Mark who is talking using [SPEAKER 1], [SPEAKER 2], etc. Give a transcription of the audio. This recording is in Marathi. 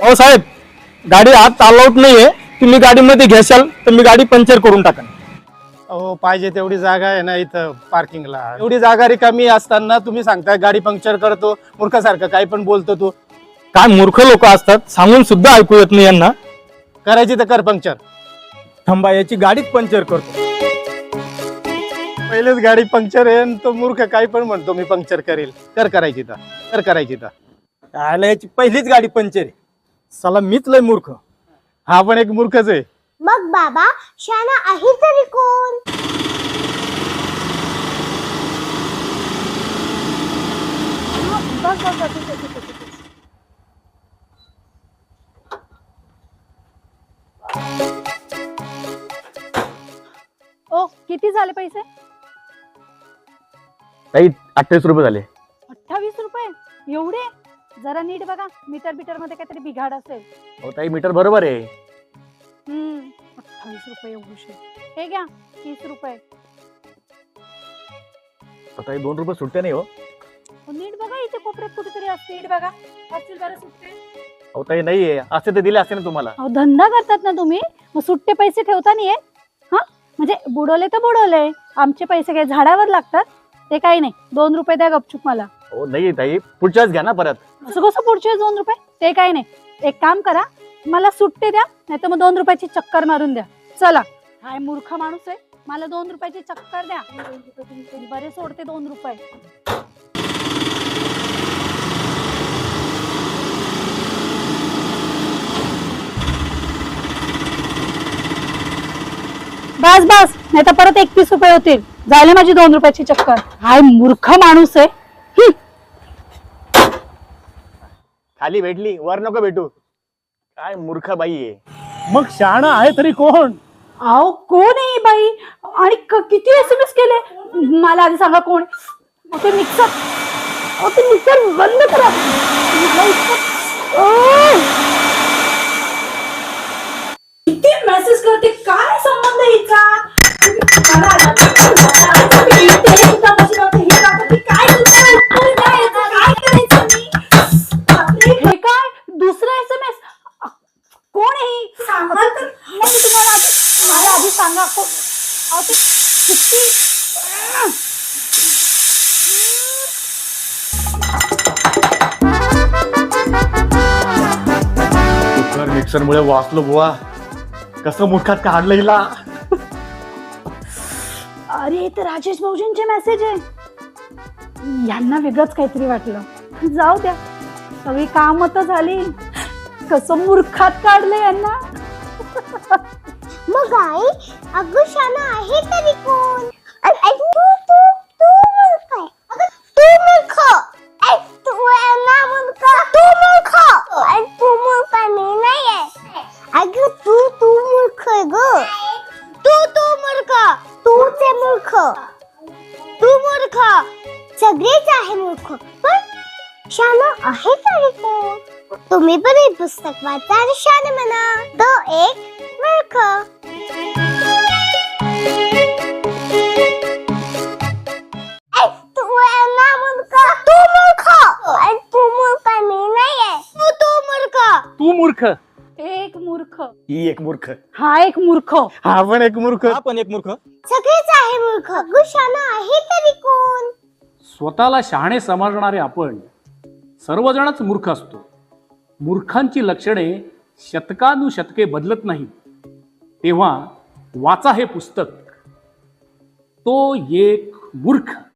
[SPEAKER 1] हो साहेब, गाडी आत अलाउड नाहीये. तुम्ही गाडीमध्ये घ्याल तर मी गाडी पंक्चर करून टाकेन.
[SPEAKER 2] अहो पाहिजे तेवढी जागा आहे ना इथं पार्किंगला. एवढी जागा रिकामी असताना तुम्ही सांगताय गाडी पंक्चर करतो. मूर्खासारखं काही पण बोलतो तू.
[SPEAKER 1] काय मूर्ख लोक असतात, सांगून सुद्धा ऐकू येत नाही यांना.
[SPEAKER 2] करायची तर कर पंक्चर.
[SPEAKER 1] थांबा, याची गाडीच पंक्चर करतो.
[SPEAKER 2] पहिलेच गाडी पंक्चर आहे आणि तो मूर्ख काही पण म्हणतो मी पंक्चर करेल. करायची तर.
[SPEAKER 1] याला याची पहिलीच गाडी पंक्चर आहे. साला मीच लय मूर्ख.
[SPEAKER 2] हा पण एक मूर्खच आहे.
[SPEAKER 3] मग बाबा शाना आहे तरी कोण?
[SPEAKER 4] ओ किती झाले पैसे?
[SPEAKER 5] ताई 28 रुपये झाले.
[SPEAKER 4] 28 रुपये? एवढे? जरा नीट बघा, मीटर बिटर मध्ये काहीतरी बिघाड असेल.
[SPEAKER 5] हो ताई, मीटर बरोबर आहे.
[SPEAKER 4] 28 रुपये एवढे. हे घ्या 30 रुपये.
[SPEAKER 5] ताई 2 रुपये सुट्टे नाही हो.
[SPEAKER 4] नीट बघा, इथे कोपऱ्यात कुठेतरी असते. नीट बघा, असतील बरं सुट्टे.
[SPEAKER 5] हो ताई नाहीये, असे ते दिले असते ना तुम्हाला.
[SPEAKER 4] अहो धंदा करतात ना तुम्ही, मग सुट्टे पैसे ठेवता नाहीये. हा म्हणजे बुडवले तर बुडवले, आमचे पैसे काय झाडावर लागतात? ते काही नाही, 2 रुपये द्या गपचूप मला.
[SPEAKER 5] हो नाही ताई, पुढच्याच घ्या ना परत.
[SPEAKER 4] असं कसं पुढचे 2 रुपये? ते काही नाही, एक काम करा, मला सुट्टे द्या, नाही तर मग 2 रुपयाची चक्कर मारून द्या. चला. काय मूर्ख माणूस आहे, मला 2 रुपयाची चक्कर द्या. बरे सोडते 2 रुपये. बस बस, नाही तर परत 31 रुपये होतील. झाले माझी 2 रुपयाची चक्कर. हाय मूर्ख माणूस आहे.
[SPEAKER 5] खाली भेटली, वर नको भेटू. काय मूर्ख बाई आहे.
[SPEAKER 2] मग शाणा आहे तरी कोण?
[SPEAKER 4] अहो कोण आहे बाई? आणि किती SMS केले? मला आधी सांगा कोण? ते मिक्सर बंद करा. किती मेसेज करते, काय संबंध हिचा? हे काय दुसरा SMS? कोण आहे ही? सांगा तर. मला आधी सांगा कोण? अहो ते किती
[SPEAKER 2] मिक्सर मुळे वाचलो बुवा. कसं मूर्खात काढलं हिला.
[SPEAKER 4] अरे ते राजेश भाऊजींचे मेसेज आहे. यांना वेगळंच काहीतरी वाटलं. जाऊ द्या, सगळी काम तर झाली. कसं मूर्खात काढलं यांना.
[SPEAKER 3] मग आई अगं शाना आहे तरी कोण? तू मूर्ख आहे. अगं तू मूर्ख. तू ना मूर्ख. तू मूर्ख. तू मूर्ख मी नाही आहे. अगं तू मूर्ख आहे ग. तू मूर्ख. तूच आहे मूर्ख. तू मूर्ख. सगळेच आहे मूर्ख. पण शाना आहे तरी कोण? तुम्ही पण हे पुस्तक वाचा आणि शाना म्हणा. तो एक मूर्ख. तू ना मूर्ख. तू मूर्ख. तू मूर्ख मी नाही आहे. तू मूर्ख.
[SPEAKER 2] तू मूर्ख.
[SPEAKER 4] एक मूर्ख.
[SPEAKER 5] ही एक मूर्ख.
[SPEAKER 4] हा एक मूर्ख.
[SPEAKER 2] हा पण एक मूर्ख.
[SPEAKER 1] हा पण एक मूर्ख.
[SPEAKER 3] सगळेच आहे मूर्ख. अगं शाना आहे तरी कोण?
[SPEAKER 6] स्वतःला शहाणे समजणारे आपण सर्वजणच मूर्ख असतो. मूर्खांची लक्षणे शतकानुशतके बदलत नाहीत. तेव्हा वाचा हे पुस्तक. तो एक मूर्ख.